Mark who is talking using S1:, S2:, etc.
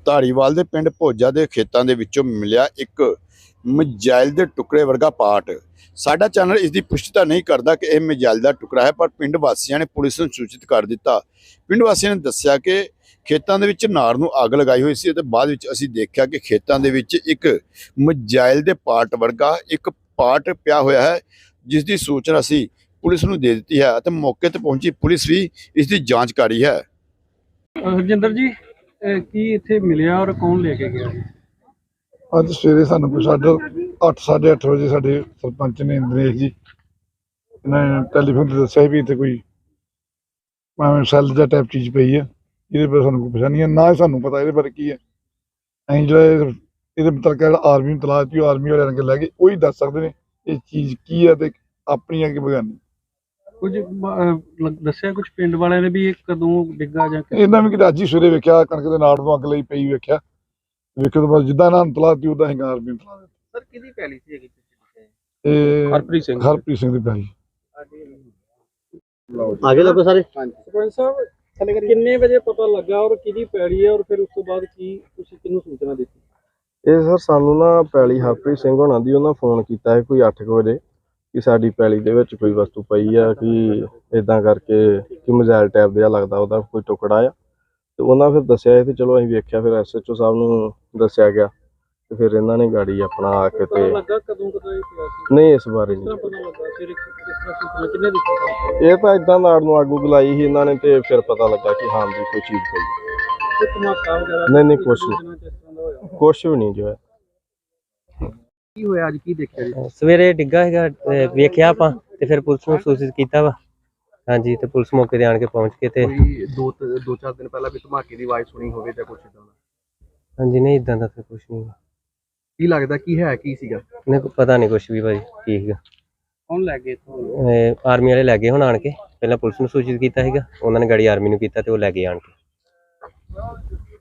S1: ਧਾਰੀਵਾਲ ਦੇ ਪਿੰਡ ਭੋਜਾ ਦੇ ਖੇਤਾਂ ਦੇ ਵਿੱਚੋਂ ਮਿਲਿਆ ਇੱਕ ਮਿਜ਼ਾਈਲ ਦੇ ਟੁਕੜੇ ਵਰਗਾ ਪਾਰਟ। ਸਾਡਾ ਚੈਨਲ ਇਸ ਦੀ ਪੁਸ਼ਟੀ ਤਾਂ ਨਹੀਂ ਕਰਦਾ ਕਿ ਇਹ ਮਿਜ਼ਾਈਲ ਦਾ ਟੁਕੜਾ ਹੈ, ਪਰ ਪਿੰਡ ਵਾਸੀਆਂ ਨੇ ਪੁਲਿਸ ਨੂੰ ਸੂਚਿਤ ਕਰ ਦਿੱਤਾ। ਪਿੰਡ ਵਾਸੀਆਂ ਨੇ ਦੱਸਿਆ ਕਿ ਖੇਤਾਂ ਦੇ ਵਿੱਚ ਨਾੜ ਨੂੰ ਅੱਗ ਲਗਾਈ ਹੋਈ ਸੀ ਅਤੇ ਬਾਅਦ ਵਿੱਚ ਅਸੀਂ ਦੇਖਿਆ ਕਿ ਖੇਤਾਂ ਦੇ ਵਿੱਚ ਇੱਕ ਮਿਜ਼ਾਈਲ ਦੇ ਪਾਰਟ ਵਰਗਾ ਇੱਕ ਪਾਰਟ ਪਿਆ ਹੋਇਆ ਹੈ, ਜਿਸ ਦੀ ਸੂਚਨਾ ਅਸੀਂ ਪੁਲਿਸ ਨੂੰ ਦੇ ਦਿੱਤੀ ਹੈ ਅਤੇ ਮੌਕੇ ਤੇ ਪਹੁੰਚੀ ਪੁਲਿਸ ਵੀ ਇਸ ਦੀ ਜਾਂਚ ਕਰ ਰਹੀ ਹੈ।
S2: ਹਰਜਿੰਦਰ ਜੀ, ਕੀ ਇੱਥੇ ਮਿਲਿਆ ਔਰ ਕੌਣ ਲੈ ਕੇ ਗਿਆ?
S3: ਅੱਜ ਸਵੇਰੇ ਸਾਨੂੰ ਕੋਈ 8:30 ਵਜੇ ਸਾਡੇ ਸਰਪੰਚ ਨੇ ਇੰਦਰੇਸ਼ ਜੀ ਇਹਨਾਂ ਨੇ ਟੈਲੀਫੋਨ ਤੇ ਦੱਸਿਆ ਵੀ ਇੱਥੇ ਕੋਈ ਸੈੱਲ ਜਾਂ ਟਾਈਪ ਚੀਜ਼ ਪਈ ਹੈ, ਇਹਦੇ ਬਾਰੇ ਸਾਨੂੰ ਕੋਈ ਪਤਾ ਨਹੀਂ ਹੈ, ਨਾ ਹੀ ਸਾਨੂੰ ਪਤਾ ਇਹਦੇ ਬਾਰੇ ਕੀ ਹੈ। ਅਸੀਂ ਜਿਹੜਾ ਇਹਦੇ ਮੁਤਲਕ ਜਿਹੜਾ ਆਰਮੀ ਨੂੰ ਤਲਾਸ਼ ਦਿੱਤੀ, ਉਹ ਆਰਮੀ ਵਾਲਿਆਂ ਨੇ ਲੈ ਕੇ ਉਹੀ ਦੱਸ ਸਕਦੇ ਨੇ ਇਹ ਚੀਜ਼ ਕੀ ਹੈ ਤੇ ਆਪਣੀ ਅੱਗੇ ਬਗਾਨੀ। ਕੁਝ
S2: ਦੱਸਿਆ ਕੁਝ ਪਿੰਡ ਵਾਲਿਆਂ ਨੇ ਵੀ ਇਹ ਕਦੋਂ ਡਿੱਗਾ ਜਾਂ
S3: ਇਹਨਾਂ ਵੀ ਕਿਤੇ ਅੱਜ ਹੀ ਸਵੇਰੇ ਵੇਖਿਆ, ਕਣਕ ਦੇ ਨਾੜ ਨੂੰ ਅੱਗ ਲਈ ਪਈ ਵੇਖਿਆ। ਵੇਖਣ ਤੋਂ ਬਾਅਦ ਜਿੱਦਾਂ ਇਹਨਾਂ ਨੂੰ ਤਲਾਹ ਦਿੱਤੀ ਉਦਾਂ ਹੀ ਆਰਮੀ ਨੂੰ ਤਲਾਹ ਦਿੱਤੀ।
S2: ਸਰ ਕਿਹਦੀ ਪੈਲੀ ਸੀ ਹੈਗੀ?
S3: ਇਹ
S2: ਹਰਪ੍ਰੀਤ
S3: ਸਿੰਘ ਦੀ ਪੈਲੀ।
S4: आगे लगो सारे।
S2: ਸਰਪੰਚ ਸਾਹਿਬ, ਕਿੰਨੇ ਵਜੇ ਪਤਾ ਲੱਗਾ ਔਰ ਕਿਹਦੀ ਪੈਲੀ ਹੈ ਔਰ ਫਿਰ ਉਸ ਤੋਂ ਬਾਅਦ ਕੀ ਤੁਸੀਂ ਕਿਹਨੂੰ ਸੂਚਨਾ ਦਿੱਤੀ?
S4: ਇਹ ਸਰ ਸਾਨੂੰ ਨਾ ਪੈਲੀ ਹਰਪ੍ਰੀਤ ਸਿੰਘ ਹੋਣਾ ਦੀ ਉਹਨਾਂ ਫੋਨ ਕੀਤਾ ਹੈ ਕੋਈ 8 ਵਜੇ ਕਿ ਸਾਡੀ ਪੈਲੀ ਦੇ ਵਿੱਚ ਕੋਈ ਵਸਤੂ ਪਈ ਆ, ਕਿ ਇਦਾਂ ਕਰਕੇ ਕਿ ਮਿਜ਼ਾਈਲ ਟਾਈਪ ਦਾ ਲੱਗਦਾ ਉਹਦਾ ਕੋਈ ਟੁਕੜਾ ਆ। ਤੇ ਉਹਨਾਂ ਫਿਰ ਦੱਸਿਆ ਤੇ ਚਲੋ ਅਸੀਂ ਵੇਖਿਆ, ਫਿਰ SHO ਸਾਹਿਬ ਨੂੰ ਦੱਸਿਆ ਗਿਆ ਤੇ ਫਿਰ ਇਹਨਾਂ ਨੇ ਗਾੜੀ ਆਪਣਾ ਆ ਕੇ ਤੇ
S2: ਲੱਗਾ ਕਦੋਂ ਇਹ ਪਿਆ ਸੀ?
S4: ਨਹੀਂ ਇਸ ਬਾਰੇ ਨਹੀਂ
S2: ਪਤਾ ਲੱਗਾ ਫਿਰ ਕਿਸ ਤਰ੍ਹਾਂ ਸੂਚਨਾ ਕਿੰਨੇ ਦਿੱਤੀ?
S4: ਇਹ ਤਾਂ ਇਦਾਂ ਨਾੜ ਨੂੰ ਅੱਗ ਲਾਈ ਸੀ ਇਹਨਾਂ ਨੇ ਤੇ ਫਿਰ ਪਤਾ ਲੱਗਾ ਕਿ ਹਾਂ ਜੀ ਕੋਈ ਚੀਜ਼ ਪਈ।
S2: ਤੇ ਧਮਾਕਾ ਵਗੈਰਾ
S4: ਨਹੀਂ ਕੁਛ ਵੀ ਨਹੀਂ ਜੋ ਹੈ।
S2: ਕੀ ਹੋਇਆ ਅੱਜ, ਕੀ ਦੇਖਿਆ ਜੀ?
S5: ਸਵੇਰੇ ਡਿੱਗਾ ਹੈਗਾ, ਵੇਖਿਆ ਆਪਾਂ ਤੇ ਫਿਰ ਪੁਲਿਸ ਨੂੰ ਸੂਚਿਤ ਕੀਤਾ ਵਾ। ਹਾਂਜੀ, ਤੇ ਪੁਲਿਸ ਮੌਕੇ ਤੇ ਆਣ ਕੇ ਪਹੁੰਚ ਕੇ ਤੇ
S6: ਦੋ ਚਾਰ ਦਿਨ ਪਹਿਲਾਂ ਵੀ ਧਮਾਕੇ ਦੀ ਆਵਾਜ਼ ਸੁਣੀ ਹੋਵੇ ਜਾਂ ਕੁਛ ਇਦਾਂ ਦਾ?
S5: ਹਾਂਜੀ, ਨਹੀਂ ਇਦਾਂ ਦਾ ਤਾਂ ਕੁਝ ਨਹੀਂ।
S6: ਕੀ ਲੱਗਦਾ ਕੀ ਹੈ ਕੀ ਸੀਗਾ?
S5: ਨਹੀਂ ਪਤਾ ਨਹੀਂ ਕੁਛ ਵੀ ਭਾਜੀ ਕੀ ਸੀਗਾ।
S2: ਕੌਣ ਲੈ ਗਏ ਇੱਥੋਂ?
S5: ਆਰਮੀ ਵਾਲੇ ਲੈ ਗਏ ਹੁਣ ਆਣ ਕੇ, ਪਹਿਲਾਂ ਪੁਲਿਸ ਨੂੰ ਸੂਚਿਤ ਕੀਤਾ ਸੀਗਾ, ਉਹਨਾਂ ਨੇ ਗਾੜੀ ਆਰਮੀ ਨੂੰ ਕੀਤਾ ਤੇ ਉਹ ਲੈ ਗਏ ਆਣ ਕੇ।